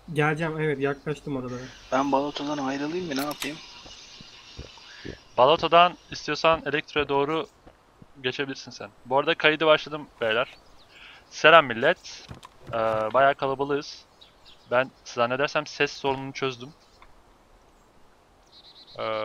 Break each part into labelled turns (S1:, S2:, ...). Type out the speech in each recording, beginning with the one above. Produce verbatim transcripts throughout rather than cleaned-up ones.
S1: Geleceğim, evet, yaklaştım oralara.
S2: Ben balotadan ayrılayım mı, ne yapayım?
S3: Balota'dan istiyorsan Elektro'ya doğru geçebilirsin sen. Bu arada kaydı başladım beyler. Selam millet. Ee, bayağı kalabalığız. Ben zannedersem ses sorununu çözdüm. Ee,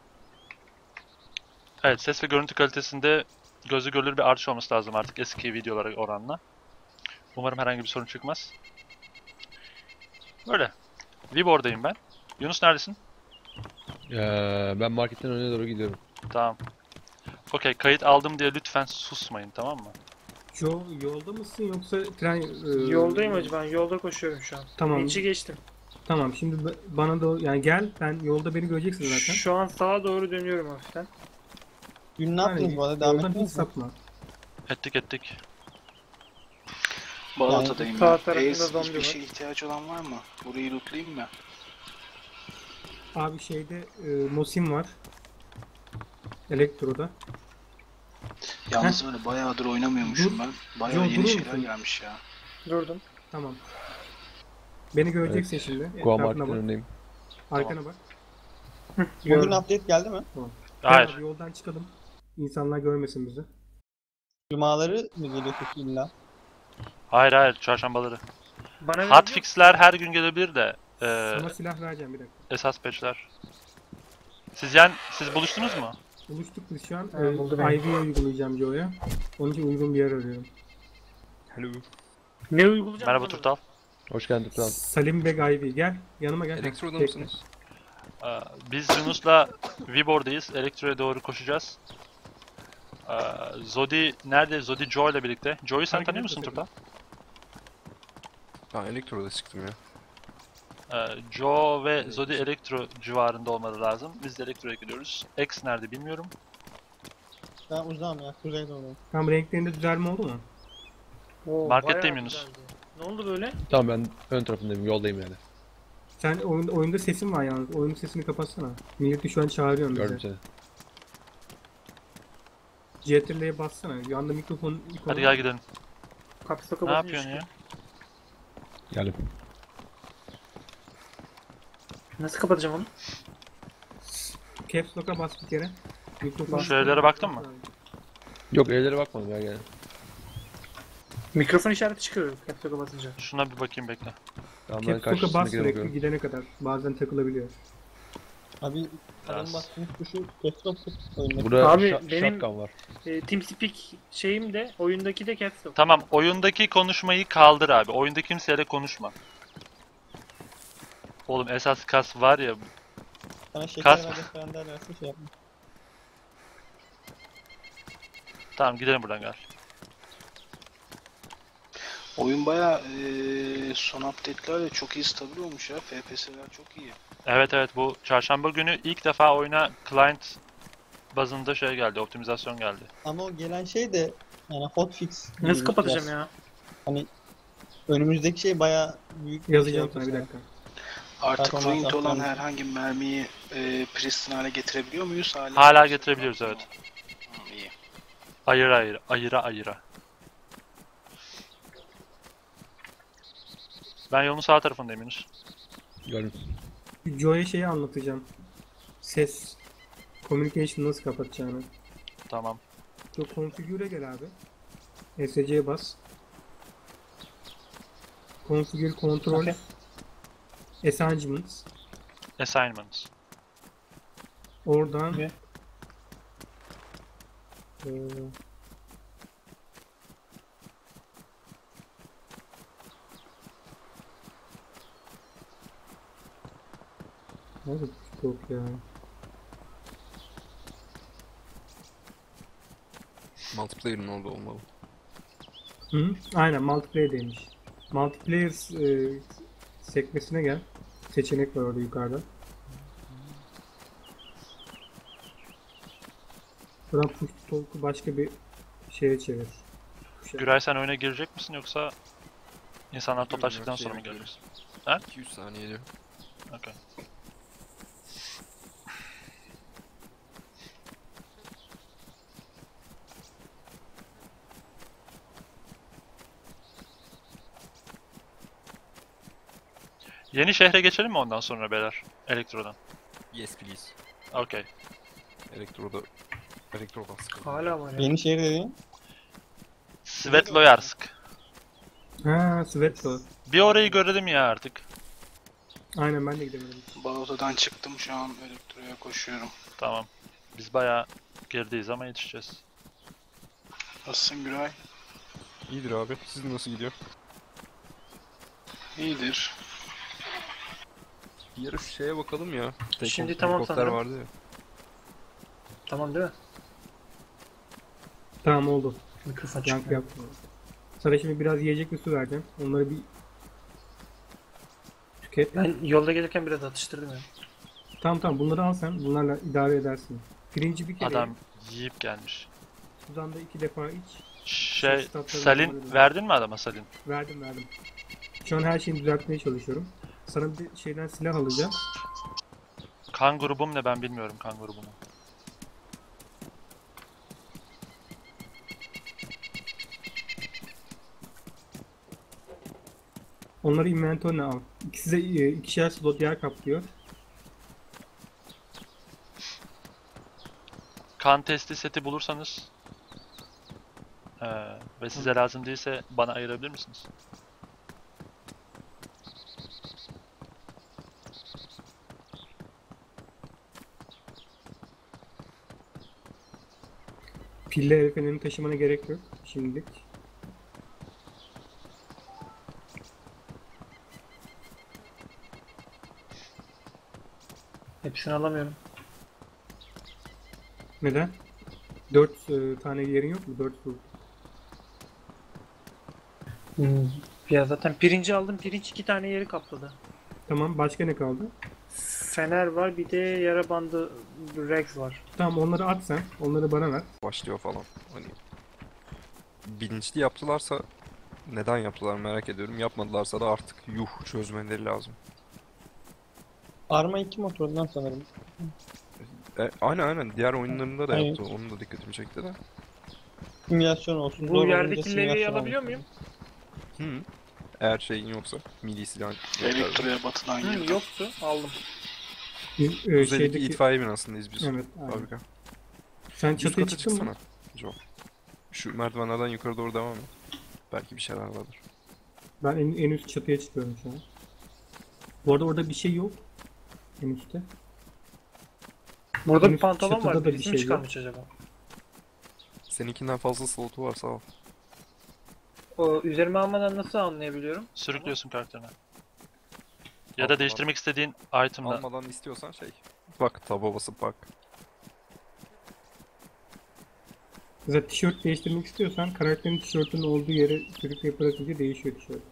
S3: evet, ses ve görüntü kalitesinde gözü görülür bir artış olması lazım artık eski videolara oranla. Umarım herhangi bir sorun çıkmaz. Böyle. Vibor'dayım ben. Yunus neredesin?
S4: Ee, ben marketten öne doğru gidiyorum.
S3: Tamam. Okey, kayıt aldım diye lütfen susmayın, tamam mı?
S1: Joe, yolda mısın yoksa tren... e,
S5: Yoldayım hacı, ben yolda koşuyorum şu an.
S1: Tamam.
S5: İçi geçtim.
S1: Tamam, şimdi ba- bana da yani gel, ben yolda beni göreceksin zaten.
S5: Şu an sağa doğru dönüyorum hafiften.
S6: Dün ne yaptınız
S1: Yani
S6: bu arada? Devam
S1: yoldan hiç
S6: ettiniz mi?
S1: sapma.
S3: Ettik ettik.
S2: Balotadayım
S5: sağ
S2: ben.
S5: tarafında
S2: Ace,
S5: zombi
S2: hiçbir
S5: var.
S2: şeye ihtiyacı olan var mı? Burayı lootlayayım mı?
S1: Abi şeyde e, Mosin var. Elektro'da.
S2: Yalnız öyle bayağıdır oynamıyormuşum
S1: Dur.
S2: ben. Bayağı
S1: Joe,
S2: yeni
S1: durur
S2: şeyler
S1: musun?
S2: gelmiş ya.
S5: Durdum.
S1: Tamam. Beni göreceksin
S4: Evet.
S1: şimdi.
S4: Goa
S1: Etrafına
S4: marketten
S1: bak.
S4: önündeyim.
S1: Arkana bak.
S6: Bugün
S1: Gördüm.
S6: update geldi mi?
S1: Tamam.
S3: Hayır.
S1: Gel abi, yoldan çıkalım. İnsanlar görmesin bizi.
S6: Cumaları mı geliyor peki illa?
S3: Hayır hayır, çarşambaları.
S5: Bana verebiliyor musun?
S3: Hotfix'ler her gün gelebilir de e,
S1: Sana silah vereceğim bir dakika.
S3: esas patch'ler. Siz yani siz buluştunuz mu?
S1: Buluştuk biz şu an.
S5: Ha,
S1: Ee,
S5: buldu beni.
S1: I V'ye uygulayacağım Joe'ya. Onun için uygun bir yer arıyorum.
S4: Hello.
S5: Ne uygulayacağım?
S3: Merhaba
S5: anlamadım.
S3: Turtal.
S4: Hoş geldin Turan.
S1: Salim Beg I V, gel. Yanıma gel.
S7: Elektroda
S1: Bekle.
S7: mısınız?
S3: Ee, biz Yunus'la Vibor'dayız. Elektro'ya doğru koşacağız. Ee, Zodi nerede? Zodi Joe ile birlikte. Joe'yu sen
S1: Hareket
S3: tanıyor musun
S1: etme
S3: Turtal?
S7: Ben elektroda çıktım ya.
S3: Ee, Joe ve Zodi Elektro civarında olmaları lazım. Biz de Elektro'ya gidiyoruz. X nerede bilmiyorum.
S6: Ben uzağım ya. Kuzeyde olayım.
S1: Tam renklerinde düzelme oldu mu?
S5: Oo,
S3: Marketteyim
S5: bayağı
S3: Yunus.
S5: güzeldi. Ne oldu böyle?
S4: Tamam ben ön tarafındayım, yoldayım yani.
S1: Sen oyun, oyunda sesin var yalnız. Oyunun sesini kapatsana. Milleti şu an çağırıyorum
S4: Gördüm
S1: bize.
S4: seni.
S1: C T R L'ye bassana. Yanda mikrofon ikonu.
S3: Hadi gel gidelim.
S5: Kapısı
S3: Ne
S5: kapatınca
S3: yapıyorsun ya?
S4: Geldim.
S5: Nasıl kapatacağım onu?
S1: Caps Lock'a bas bir kere. Mikrofon.
S3: Şu evlere baktın mı?
S4: Yok, evlere bakmadım ya yani.
S5: Mikrofon işareti çıkıyor kapısı kapatınca.
S3: Şuna bir bakayım bekle.
S4: Tamam ben
S1: Caps Lock'a bas
S4: karşısındakine
S1: sürekli
S4: bakıyorum.
S1: gidene kadar. Bazen takılabiliyor.
S6: Abi
S3: Biraz.
S6: adam bastığınız tuşu desktop oyunda.
S4: Burada
S5: Abi,
S4: şa-
S5: benim-
S4: shotgun var.
S5: E, TeamSpeak şeyim de oyundaki de caps lock.
S3: Tamam, oyundaki konuşmayı kaldır abi. Oyunda kimseyle konuşma. Oğlum esas kas var ya.
S6: Sana şeker
S3: Kas-
S6: ve gösteren derlerse şey yapma.
S3: Tamam gidelim buradan gel.
S2: Oyun bayağı eee son update'lerle çok iyi stabil olmuş ya. F P S'ler çok iyi.
S3: Evet evet, bu çarşamba günü ilk defa oyuna client bazında şey geldi, optimizasyon geldi.
S6: Ama o gelen şey de yani hotfix. gibi
S5: Nasıl
S6: bir
S5: kapatacağım
S6: biraz.
S5: ya?
S6: Hani önümüzdeki şey bayağı büyük bir
S1: Yazacağım
S6: şey
S1: sana bir
S6: oldu
S1: dakika.
S2: Artık
S6: Performans
S2: ruined olan
S6: arttırmış.
S2: herhangi bir mermiyi eee pristine hale getirebiliyor muyuz hala?
S3: Hala getirebiliyoruz, evet.
S2: Tamam, iyi.
S3: Ayıra ayıra, ayıra ayıra. Ben yolun sağ tarafındayım Yunus.
S4: Gördüm.
S1: Joe'ya şeyi anlatacağım. Ses. Communication nasıl kapatacağını.
S3: Tamam.
S1: Joe configure'e gel abi. S C'ye bas. Configure control.
S5: Okey.
S1: Assignments.
S3: Assignments.
S1: Oradan
S5: Ne?
S1: Ee, Nerede yok ya?
S7: Multiplayer'ın orada olmalı.
S1: Hı? Aynen, multiplayer'deymiş. Multiplayer e, sekmesine gel. Seçenek var orada yukarıda. Buradan push to talk'u başka bir şeye çevir. Tuşa.
S3: Güray sen oyuna girecek misin yoksa insanlar toplaştıktan sonra mı geleceksin?
S7: iki üç saniye diyor.
S3: Okay. Yeni şehre geçelim mi ondan sonra beyler? Elektrodan.
S7: Yes please.
S3: Okey.
S7: Elektroda... Elektrodan sıkıldım.
S5: Hala var ya.
S6: Yeni şehir dediğin.
S3: Svetloyarsk.
S1: Ha, Svetlo.
S3: Bir orayı görelim ya artık.
S1: Aynen ben de gidemedim.
S2: Balota'dan çıktım şu an elektroya koşuyorum.
S3: Tamam. Biz bayağı gerideyiz ama yetişeceğiz.
S2: Nasılsın Güray?
S7: İyidir abi. Sizin nasıl gidiyor?
S2: İyidir.
S7: Bir ara şu şeye bakalım ya. Tek
S5: Şimdi
S7: kontrol
S5: tamam
S7: helikopter
S5: sanırım.
S7: vardı ya.
S5: Tamam değil mi?
S1: Tamam oldu.
S5: Mikrofon
S1: Yankı
S5: çıkmıyor.
S1: yaptım. Sana şimdi biraz yiyecek ve su vereceğim. Onları bir tüket.
S5: Ben yolda gelirken biraz atıştırdım ya.
S1: Tamam tamam bunları al sen. Bunlarla idare edersin. Pirinci bir kere
S3: Adam yiyip gelmiş.
S1: sudan da iki defa iç.
S3: Şey,
S1: Statları
S3: Salin
S1: numaralı.
S3: verdin mi adama Salin?
S1: Verdim verdim. Şu an her şeyi düzeltmeye çalışıyorum. Sana bir şeyden silah alacağım.
S3: Kan grubum ne ben bilmiyorum kan grubumu.
S1: Onları inventörüne al. İkisi de e, ikişer slot yer kaplıyor.
S3: Kan testi seti bulursanız eee, ve size lazım değilse bana ayırabilir misiniz?
S1: Pille el fenerini taşımana gerek yok şimdilik.
S5: Hepsini alamıyorum.
S1: Neden? Dört e, tane yerin yok mu? Dört slot.
S5: Hmm. Ya zaten pirinci aldım. Pirinç iki tane yeri kapladı.
S1: Tamam başka ne kaldı?
S5: Fener var, bir de yara bandı Rex var.
S1: Tamam onları at sen. Onları bana ver.
S7: Başlıyor falan. Hani... Bilinçli yaptılarsa... Neden yaptılar merak ediyorum. Yapmadılarsa da artık yuh çözmeleri lazım.
S6: Arma iki motorundan sanırım.
S7: E, aynen aynen. Diğer oyunlarında da
S6: Evet.
S7: yaptı. Onun da dikkatimi çekti de.
S6: Simülasyon olsun.
S5: Bu
S6: zor
S5: yerdeki
S6: olunca
S5: levyeyi
S6: simülasyon
S5: alabiliyor
S6: olsun.
S5: muyum?
S7: Hı. Eğer şeyin yoksa. Mili silah.
S2: Elektroya batıdan
S5: Hı,
S2: girdim.
S5: yoktu. Aldım.
S1: Biz, e,
S7: Kuzeydeki
S1: şeydeki...
S7: itfaiye binasındayız biz.
S1: Evet, aynen.
S7: Fabrika.
S1: Sen
S7: Üst
S1: çatıya
S7: kata
S1: çıktın mı?
S7: çıksana. Joe. Şu merdivenlerden yukarı doğru devam et. Belki bir şeyler vardır.
S1: Ben en, en üst çatıya çıkıyorum şu an. Bu arada orada bir şey yok. En üstte.
S5: Burada bir
S1: Henüz
S5: pantolon
S1: çatıda
S5: var.
S1: da bir
S5: Birisini
S1: şey yok.
S5: çıkarmış acaba?
S7: Seninkinden fazla slotu varsa al.
S5: O üzerime almadan nasıl anlayabiliyorum?
S3: Sürüklüyorsun karakterini. Ya
S7: Almadan-
S3: da değiştirmek istediğin item'la.
S7: Almadan istiyorsan şey. Bak taba basıp bak.
S1: Mesela tişört değiştirmek istiyorsan karakterin tişörtünün olduğu yere sürükleyip bırakınca değişiyor tişört.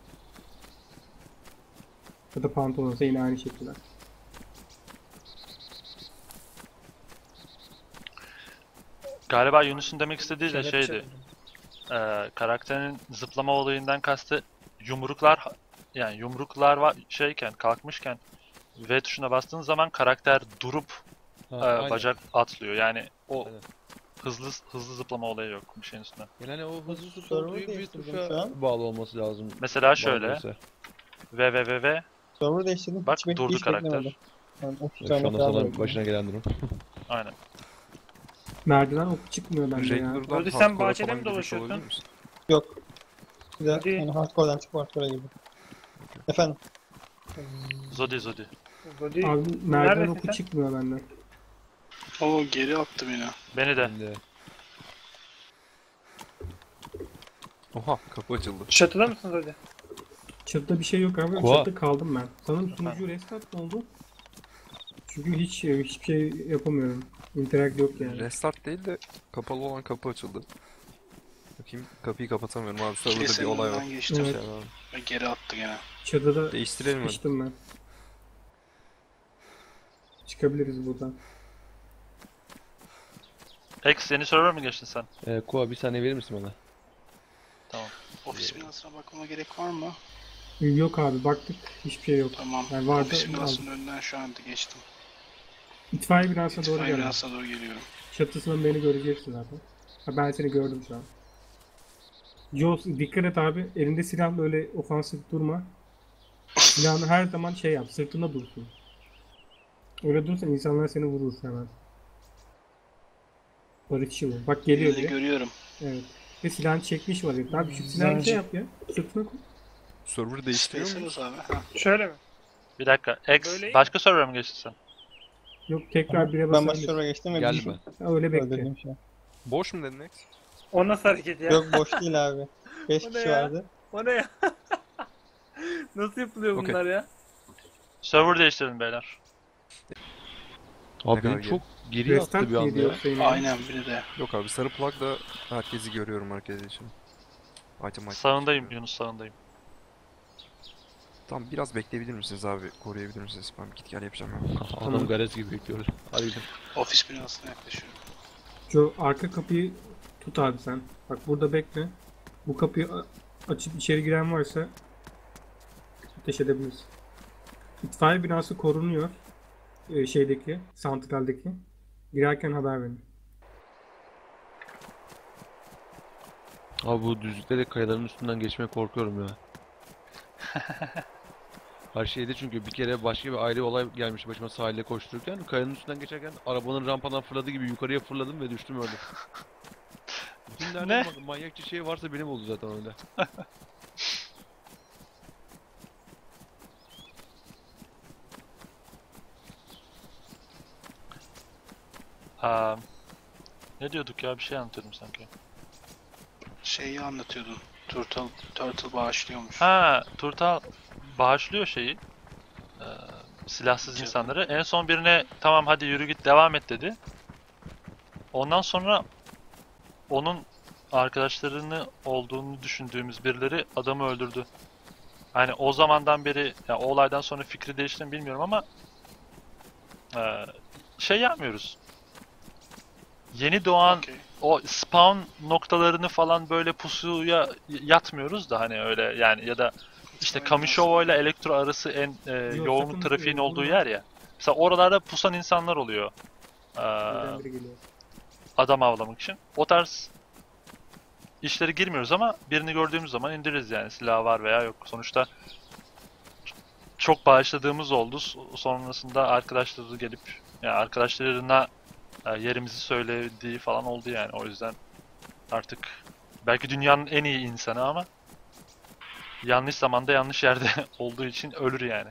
S1: Ya da pantolonsa yine aynı şekilde.
S3: Galiba Yunus'un demek istediği de
S5: Kelepçe
S3: şeydi.
S5: buldum.
S3: Eee karakterin zıplama olayından kastı yumruklar yani yumruklar var şeyken kalkmışken V tuşuna bastığın zaman karakter durup
S4: Ha,
S3: eee,
S4: aynen.
S3: bacak atlıyor. Yani o
S4: Aynen.
S3: hızlı hızlı zıplama olayı yok bir şeyin üstüne.
S4: Yani o hızlı
S6: Server
S4: tutulduğu bir
S6: değiştirdim şu
S4: tuşa
S6: an.
S4: bağlı olması lazım.
S3: Mesela şöyle
S4: Bağlıysa.
S3: V V V V
S6: Server değiştirdim.
S3: bak
S6: hiç bek-
S3: durdu
S6: hiç
S3: karakter.
S6: beklemedim. Yani otuz
S4: Evet,
S6: tane
S4: şu anda
S6: falan
S4: sana
S6: bekledim.
S4: başına gelen durum.
S3: Aynen.
S1: Merdiven oku çıkmıyor bende ya.
S7: Regular'dan
S5: Orada sen
S7: hardcore'a
S5: bahçede
S7: falan
S5: mi
S7: girmiş
S5: dolaşıyorsun?
S7: olabilir misin?
S6: Yok. Bir de
S5: Hadi.
S6: yani hardcore'dan çıkıp hardcore'a girdim. Efendim.
S3: Zodi Zodi.
S5: Zodi,
S1: Abi merdiven
S5: neredesin
S1: oku
S5: sen?
S1: çıkmıyor benden.
S2: O geri attı beni.
S3: Beni de.
S4: Ben de.
S7: Oha kapı açıldı.
S5: Çatıda mısın Zodi?
S1: Çatıda bir şey yok abi.
S4: Koa.
S1: Çatıda kaldım ben. Sanırım sunucu restart mı oldu? Çünkü hiç hiçbir şey yapamıyorum. Interact yok yani.
S7: Restart değil de kapalı olan kapı açıldı. Bakayım kapıyı kapatamıyorum abi. Serverda bir
S2: Kilisenin
S7: olay var.
S2: önünden geçtim.
S1: Evet.
S7: Şey var.
S2: Ve geri attı gene.
S1: Çatıda
S7: Değiştirelim hadi.
S1: sıkıştım ben. Çıkabiliriz buradan.
S3: X yeni server mi geçtin sen?
S4: Ee, Koa bir saniye verir misin bana?
S2: Ofis binasına bakmama gerek var mı?
S1: Yok abi baktık. Hiçbir şey yok.
S2: Tamam.
S1: Yani vardı,
S2: Ofis
S1: aldım.
S2: binasının önünden şu anda geçtim.
S1: İtfaiye binasına doğru
S2: İtfaiye
S1: geldim.
S2: binasına doğru geliyorum.
S1: Çatısından beni göreceksin zaten. Ha, ben seni gördüm şu an. Jaws dikkat et abi. Elinde silahla öyle ofansif durma. Silahını her zaman şey yap, sırtında dursun. Öyle durursan insanlar seni vurur hemen. Barışçı bu. Bak geliyor
S2: Birini
S1: bile.
S2: görüyorum.
S1: Evet. Ve silahını çekmiş var. Abi şu silahını şey yap ya. Sırtına koy.
S7: Server değiştiriyor muyuz?
S2: İstiyorsanız abi. Ha.
S5: Şöyle mi?
S3: Bir dakika. X
S5: Böyle iyi
S3: başka server'a mı geçtin sen?
S1: Yok tekrar bire
S6: Ben
S1: basabilir.
S6: başlarına geçtim ve
S4: Geldi
S6: bir şey
S4: mi?
S1: Ha, öyle bekle.
S6: öldürdüm şu an.
S7: Boş mu dedin X?
S5: O nasıl hareket ya?
S6: Yok boş değil abi. beş
S5: O ne
S6: kişi
S5: ya?
S6: vardı.
S5: O ne ya? Nasıl yapılıyor
S7: Okey.
S5: bunlar ya?
S3: Server değiştirelim beyler.
S4: Abi
S7: kadar
S4: beni çok geriye attı
S1: Restart
S4: bir anda
S1: diyor
S4: ya.
S1: senin.
S2: Aynen biri de.
S7: Yok abi sarı plug da herkesi görüyorum herkes için. Item item.
S3: Sağındayım Yunus, sağındayım.
S7: Tamam biraz bekleyebilir misiniz abi? Koruyabilir misiniz? Ben bir git gel yapacağım ya.
S4: Adam garez gibi bekliyoruz. Hadi gidelim.
S2: Ofis binasına yaklaşıyorum.
S1: Şu arka kapıyı tut abi sen. Bak burada bekle. Bu kapıyı a- açıp içeri giren varsa ateş edebiliriz. İtfaiye binası korunuyor. Ee, şeydeki, santraldeki. Girerken haber verin.
S4: Abi bu düzlükte de kayaların üstünden geçmeye korkuyorum ya. Her şeyde çünkü bir kere başka bir ayrı olay gelmiş başıma sahilde koştururken kayanın üstünden geçerken arabanın rampadan fırladığı gibi yukarıya fırladım ve düştüm öyle. Bütün
S3: Ne?
S4: nerede ma- manyakça şey varsa benim oldu zaten öyle.
S3: Aa, ne diyorduk ya? Bir şey anlatıyordum sanki.
S2: Şeyi anlatıyordun. Turtle, Turtle bağışlıyormuş.
S3: Ha, Turtal bağışlıyor şeyi. Ee, silahsız
S2: Canım.
S3: insanları. En son birine tamam hadi yürü git devam et dedi. Ondan sonra onun arkadaşlarını olduğunu düşündüğümüz birileri adamı öldürdü. Hani o zamandan beri, ya o olaydan sonra fikri değişti mi bilmiyorum ama e, şey yapmıyoruz. Yeni doğan
S2: Okey.
S3: o spawn noktalarını falan böyle pusuya yatmıyoruz da hani öyle yani, ya da işte Kamishovo ile Elektro arası en e, yoğun
S1: sakın,
S3: trafiğin
S1: e,
S3: olduğu
S1: vurma.
S3: yer ya. Mesela oralarda pusan insanlar oluyor. Ee,
S1: Birden biri geliyor.
S3: adam avlamak için. O tarz işlere girmiyoruz ama birini gördüğümüz zaman indiririz yani, silah var veya yok. Sonuçta çok bağışladığımız oldu. Sonrasında arkadaşları gelip yani arkadaşlarına e, yerimizi söylediği falan oldu yani. O yüzden artık belki dünyanın en iyi insanı ama yanlış zamanda yanlış yerde olduğu için ölür yani.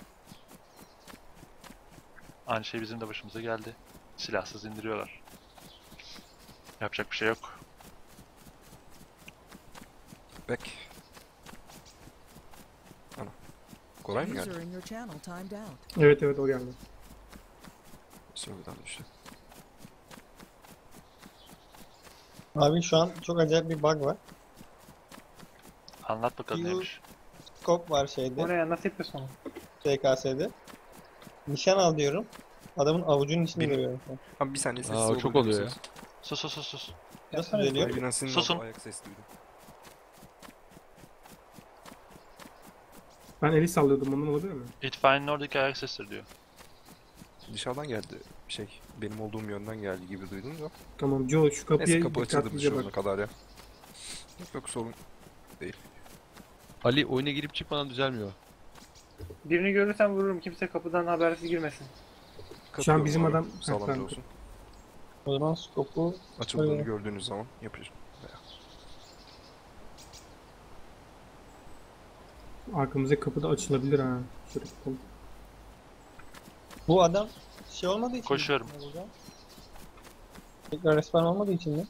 S3: Aynı şey bizim de başımıza geldi. Silahsız indiriyorlar. Yapacak bir şey yok.
S7: Back. Ana. Koray mı geldi?
S8: User in your channel timed out.
S1: Evet evet o geldi.
S7: Server'dan düştü.
S6: Abi şu an çok acayip bir bug var.
S3: Anlat bakalım
S6: Q-
S3: neymiş.
S6: Scope var
S5: O
S6: şeyde,
S5: ne ya? Nasıl yapıyorsun onu?
S6: S K S'de. Nişan al diyorum. Adamın avucunun içini
S7: Benim-
S6: görüyorum şu an.
S7: Abi bir saniye sessiz
S4: Aa, o
S7: olabilir
S4: çok oluyor ya.
S7: misiniz?
S3: Sus sus sus sus.
S6: Nasıl geliyor?
S7: Ay, Binasının
S3: Susun.
S7: olduğu ayak sesi duydum.
S1: Ben eli sallıyordum, ondan olabilir mi?
S3: İtfaiyenin oradaki ayak sesleri diyor.
S7: Dışarıdan geldi şey. Benim olduğum yönden geldi gibi duydum da.
S1: Tamam Joe şu kapıya
S7: Neyse kapı açıldı bir
S1: dikkatlice
S7: şey
S1: bak.
S7: olana kadar ya. Yok yok sorun.
S4: Ali oyuna girip çıkmadan düzelmiyor.
S5: Birini görürsem vururum. Kimse kapıdan habersiz girmesin.
S1: Şu an
S7: Katılıyorum
S1: bizim
S7: abi,
S1: adam- Ha,
S7: sağlamcı
S1: tamam.
S7: olsun.
S6: O zaman scope'u
S7: Açıldığını
S6: Öyle.
S7: gördüğünüz zaman yapacağım.
S1: Arkamızdaki kapı da açılabilir ha. Şöyle bakalım.
S6: bu adam şey olmadığı için mi?
S3: Koşuyorum.
S6: Ne olacak? Tekrar respawn olmadığı için mi?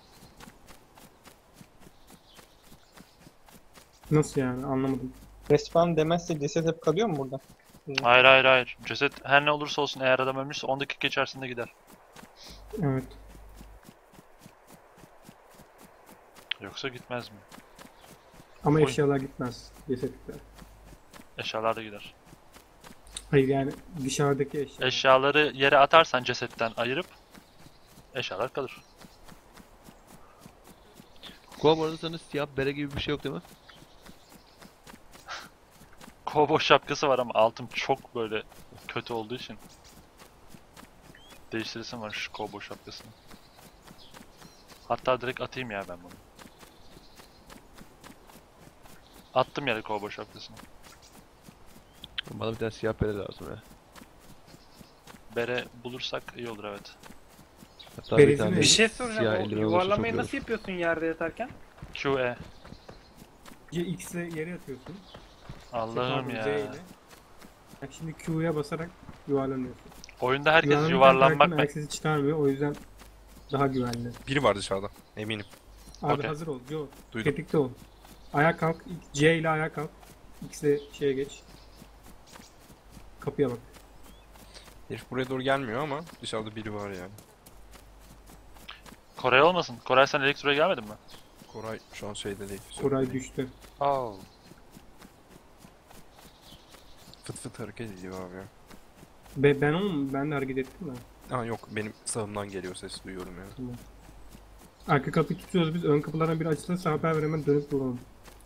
S1: Nasıl yani, anlamadım.
S6: Respawn demezse ceset hep kalıyor mu burada?
S3: Hayır hayır hayır. Ceset her ne olursa olsun eğer adam ölmüşse on dakika içerisinde gider.
S1: Evet.
S3: Yoksa gitmez mi?
S1: Ama
S3: Oy.
S1: eşyalar gitmez. Cesetlikler.
S3: Eşyalar da gider.
S1: Hayır yani dışarıdaki eşya.
S3: Eşyaları yere atarsan cesetten ayırıp eşyalar kalır.
S4: Kuva bu arada sana siyah bere gibi bir şey yok değil mi?
S3: Kovboy şapkası var ama altım çok böyle kötü olduğu için değiştiresim var şu kovboy şapkasını. Hatta direkt atayım ya ben bunu. Attım yere kovboy şapkasını.
S4: Bana bir tane siyah bere lazım ya.
S3: Bere bulursak iyi olur, evet.
S4: Hatta bir
S1: Beresi
S4: tane
S1: ne?
S5: Bir şey
S4: siyah
S5: soracağım. O
S4: eldiven olursa çok
S5: yuvarlamayı
S4: iyi
S5: nasıl
S4: olur.
S5: yapıyorsun yerde yatarken?
S3: Q E.
S1: C X ile yere atıyorsun.
S3: Allah'ım
S1: Şey,
S3: ya.
S1: pardon, Z ile. Bak şimdi Q'ya basarak yuvarlanıyorsun.
S3: Oyunda herkes
S1: Yuvarlanırken
S3: yuvarlanmak
S1: karakterin
S3: mı?
S1: ayak sesi çıkarmıyor, o yüzden daha güvenli.
S7: Biri var dışarıda. Eminim.
S1: Abi
S3: Okey.
S1: hazır ol Joe.
S7: Duydum.
S1: Tetikte ol. Ayağa kalk. C ile ayağa kalk. X ile şeye geç. Kapıya bak.
S7: Herif buraya doğru gelmiyor ama dışarıda biri var yani.
S3: Koray olmasın. Koray, sen elektroya gelmedin mi?
S7: Koray şu an şeyde değil.
S1: Koray
S7: Sörf'te değil.
S1: düştü.
S3: Oh.
S7: Fıt fıt hareket ediyor abi ya.
S1: Be, ben onu ben de hareket ettim de.
S7: Aa yok, benim sağımdan geliyor, ses duyuyorum yani.
S1: Arka kapıyı tutuyoruz biz. Ön kapılardan biri açılırsa haber ver, hemen dönüp vuralım.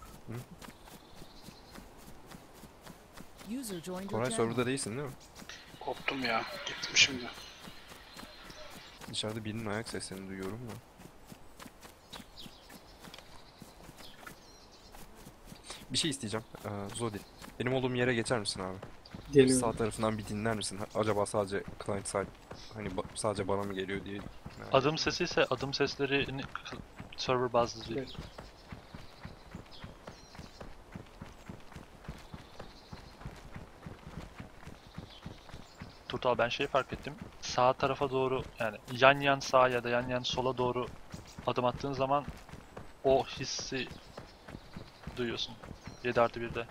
S8: User joined your
S7: Koray
S8: channel.
S7: serverda değilsin değil mi?
S2: Koptum ya. Gittim şimdi.
S7: Dışarıda birinin ayak seslerini duyuyorum da. Bir şey isteyeceğim. Ee, Zodi. Benim olduğum yere geçer misin abi?
S1: Geliyor.
S7: Sağ tarafından bir dinler misin? Ha- Acaba sadece client side, hani ba- sadece bana mı geliyor diye. merak
S3: Adım
S7: ettim.
S3: sesi ise adım sesleri server bazlı değil.
S1: Evet.
S3: Turtal, ben şey fark ettim. Sağ tarafa doğru, yani yan yan sağa ya da yan yan sola doğru adım attığın zaman o hissi duyuyorsun. yedi artı birde.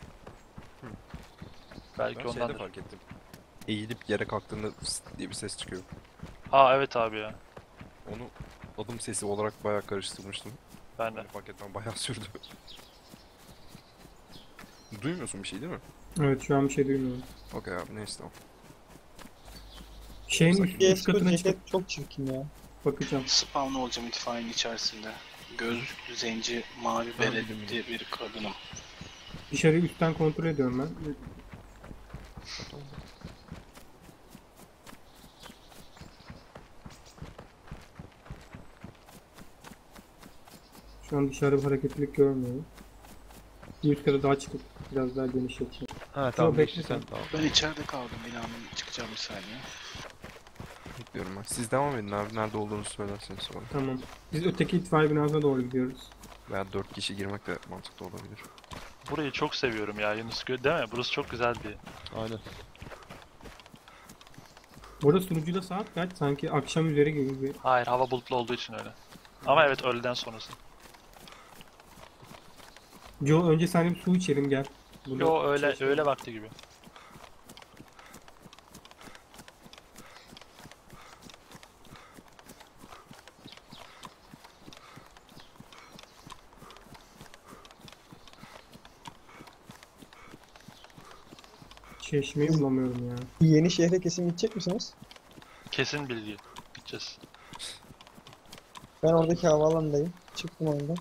S3: Belki
S7: Ben şeyde
S3: ondandır.
S7: fark ettim. Eğilip yere kalktığında fıs diye bir ses çıkıyor.
S3: Aa evet abi ya.
S7: Onu adım sesi olarak bayağı karıştırmıştım.
S3: Ben de.
S7: Yani fark etmem bayağı sürdü. Duymuyorsun bir şey değil mi?
S1: Evet, şu an bir şey duymuyorum.
S7: Okey abi, neyse tamam.
S1: Şeyin
S7: Sakin.
S1: üst, üst
S6: Yes, bu
S1: katına çıkıp
S6: ceket çok çirkin ya.
S1: bakacağım.
S2: Spawn olacağım itfaiyenin içerisinde. Gözlüklü, zenci, mavi
S7: Ben bildim,
S2: beretli bir kadınım.
S1: Dışarıyı üstten kontrol ediyorum ben. Şu an dışarıda bir hareketlilik görmüyorum. Bir üst kata daha çıkıp biraz daha geniş yapacağım.
S4: Ha tamam,
S1: bekle
S4: geçti
S1: sen.
S4: sen. Tamam.
S2: Ben içeride kaldım. Binanın çıkacağım bir saniye.
S7: Bekliyorum ben. Siz devam edin abi. Nerede olduğunuzu söylerseniz sonra.
S1: Tamam. Biz öteki itfaiye binasına doğru gidiyoruz.
S7: Veya dört kişi girmek de mantıklı olabilir.
S3: Burayı çok seviyorum ya Yunus, gö- değil mi? Burası çok güzel bir.
S4: Aynen.
S1: Burada sunucuda saat kaç? Sanki akşam üzeri gibi bir...
S3: Hayır, hava bulutlu olduğu için öyle. Ama evet, öğleden sonrası.
S1: Joe, önce sen bir su içelim gel. Burada
S3: Yo, öyle
S1: şey-
S3: öğle vakti gibi.
S1: Çeşmeyi bulamıyorum ya.
S6: Yeni şehre kesin gidecek misiniz?
S3: Kesin bilgi. Gideceğiz.
S6: Ben oradaki havaalanındayım. Çıktım oyundan.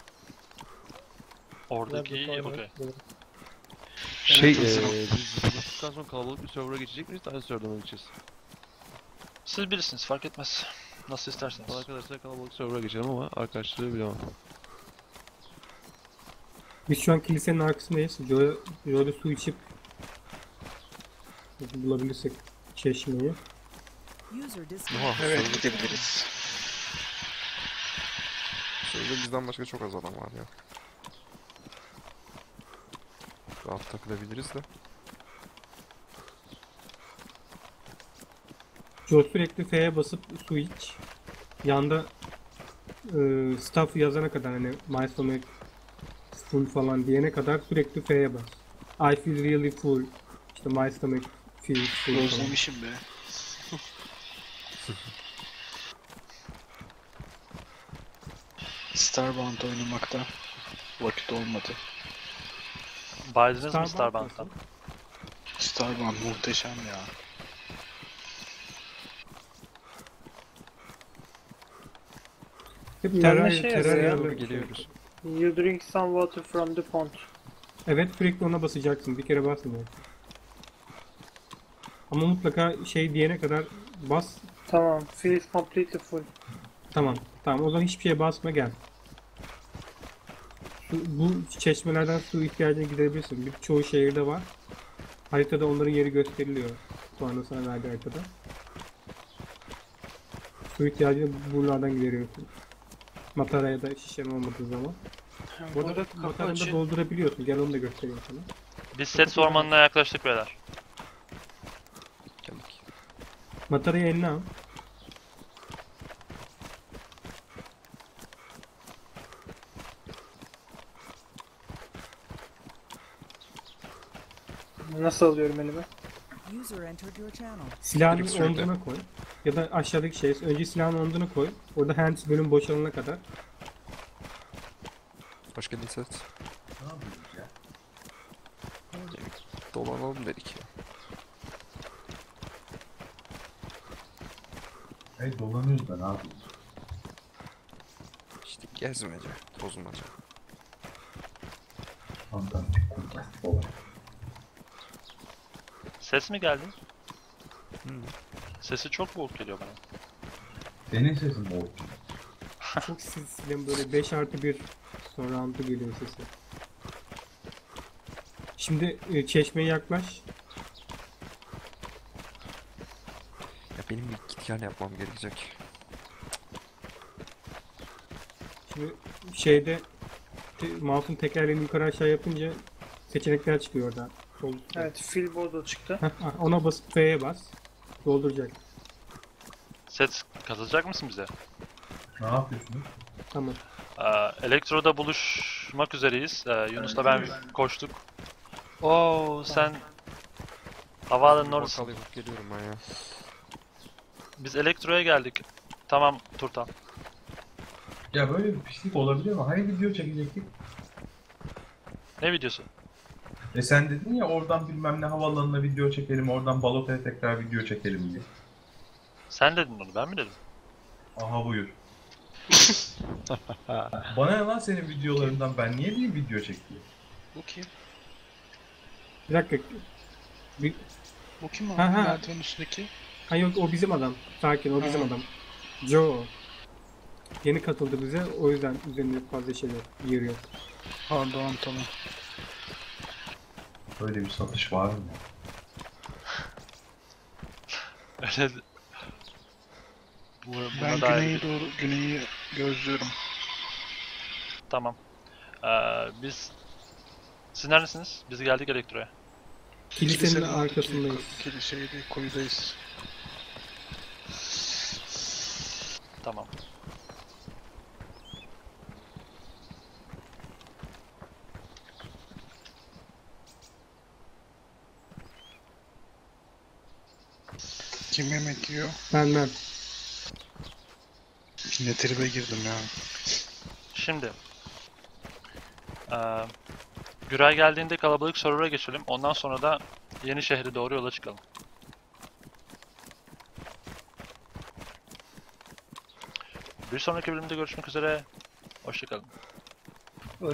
S3: Oradaki
S6: Biraz da sonra
S3: okey.
S6: gelirim.
S4: Şey,
S2: Evet, hazırım.
S4: eee biz buluştuktan sonra kalabalık bir server'a geçecek miyiz? Aynı server'a mı gideceğiz?
S3: Siz bilirsiniz, fark etmez. Nasıl isterseniz.
S4: Bana arkadaşlar kalabalık server'a geçelim ama arkadaşları bilemem.
S1: Biz şu an kilisenin arkasındayız. Joe'ya Joe'da su içip bulabilirsek çeşmeyi.
S8: User disconnected.
S7: Oha,
S2: Evet,
S7: serverda-
S2: gidebiliriz.
S7: serverda bizden başka çok az adam var ya. Rahat takılabiliriz de.
S1: Joe sürekli F'ye basıp su iç. Yanda e, staff yazana kadar, hani my stomach full falan diyene kadar sürekli F'ye bas. I feel really full. İşte my stomach feels full falan.
S2: Özlemişim be. Starbound oynamakta vakit olmadı.
S3: Baydınız mı
S1: Starbucks
S3: Starbucks'tan?
S1: nasıl?
S2: Starbound muhteşem ya.
S1: Hep
S5: Ben de
S1: terör,
S5: şey
S1: terör
S5: yazıyor ya.
S1: yerleri-
S7: Doğru geliyoruz.
S5: You drink some water from the pond.
S1: Evet, sürekli ona basacaksın. Bir kere basmıyor. Ama mutlaka şey diyene kadar bas.
S5: Tamam. Feels completely full.
S1: Tamam. Tamam, o zaman hiçbir şeye basma, gel. Su, bu çeşmelerden su ihtiyacını giderebilirsin. Birçoğu şehirde var. Haritada onların yeri gösteriliyor. Sonra sana verdiği haritada. Su ihtiyacını buralardan gideriyorsun. Matara ya da şişen olmadığı zaman. Bu
S2: Burada
S1: arada
S2: kapı
S1: matarını da
S2: açı.
S1: doldurabiliyorsun. Gel onu da göstereyim sana.
S3: Biz set ormanına yaklaştık beyler.
S7: Geldik.
S1: Matarayı eline al.
S5: Nasıl alıyorum elime?
S8: User entered your channel.
S1: Silahını
S7: Direkt sürükle.
S1: omzuna koy. Ya da aşağıdaki şey. Önce silahını omzuna koy. Orada hands bölüm boşalana kadar.
S7: Hoş geldin Set. Dolanalım dedik ya.
S9: Hey dolanıyoruz da ne yapıyoruz?
S7: İşte gezmece, tozmaca.
S9: Fantastik, fantastik olay.
S3: Ses mi geldi?
S7: Hı.
S3: Sesi çok boğuk geliyor bana.
S9: Senin sesin boğuk.
S1: Çok silsilen böyle beş artı bir sonra antı geliyor sesi. Şimdi e, çeşmeye yaklaş.
S7: Ya benim bir git gel yapmam gerekecek.
S1: Şimdi şeyde te, mouse'un tekerleğini yukarı aşağı yapınca seçenekler çıkıyor orada. Sol üstte.
S5: Evet, fill board'a çıktı.
S1: Heh, ona basıp F'ye bas. Dolduracak.
S3: Set katılacak mısın bize?
S9: Ne yapıyorsunuz?
S1: Tamam.
S3: Ee, Elektro'da buluşmak üzereyiz. Ee, Yunus'la ben koştuk. Oo sen havaalanının
S7: Bir
S3: orası.
S7: bakkal yapıp geliyorum ben ya.
S3: Biz Elektro'ya geldik. Tamam Turtan.
S9: Ya böyle bir pislik olabiliyor mu? Hani video çekecektik?
S3: Ne videosu?
S9: E sen dedin ya oradan bilmem ne havaalanına video çekelim, oradan Balota'ya tekrar video çekelim diye.
S3: Sen dedin onu, ben mi dedim?
S9: Aha buyur. Bana ne lan senin videolarından, ben niye bir video çekeyim?
S2: Bu kim?
S1: Bir dakika. Bir,
S2: Bu kim abi?
S1: Ha, ha.
S2: Merdivenin üstündeki.
S1: ha yok o bizim adam. Sakin o bizim
S2: Ha.
S1: adam. Joe. Yeni katıldı bize. O yüzden üzerinde fazla şeyler yeriyor.
S2: Pardon tamam.
S9: Böyle bir satış var mı?
S3: Öyle Bu, buna
S2: Ben
S3: dair
S2: güneye
S3: bir-
S2: doğru güneyi gözlüyorum.
S3: Tamam. Ee, biz... Siz neredesiniz? Biz geldik Elektro'ya.
S1: Kilisenin arkasındayız.
S2: Kiliseydi, koyudayız.
S3: Tamam.
S2: Kim yemek yiyor?
S1: Ben ben.
S2: Yine tribe girdim ya.
S3: Şimdi... Ee, Güray geldiğinde kalabalık server'a geçelim. Ondan sonra da yeni şehre doğru yola çıkalım. Bir sonraki bölümde görüşmek üzere. Hoşça kalın.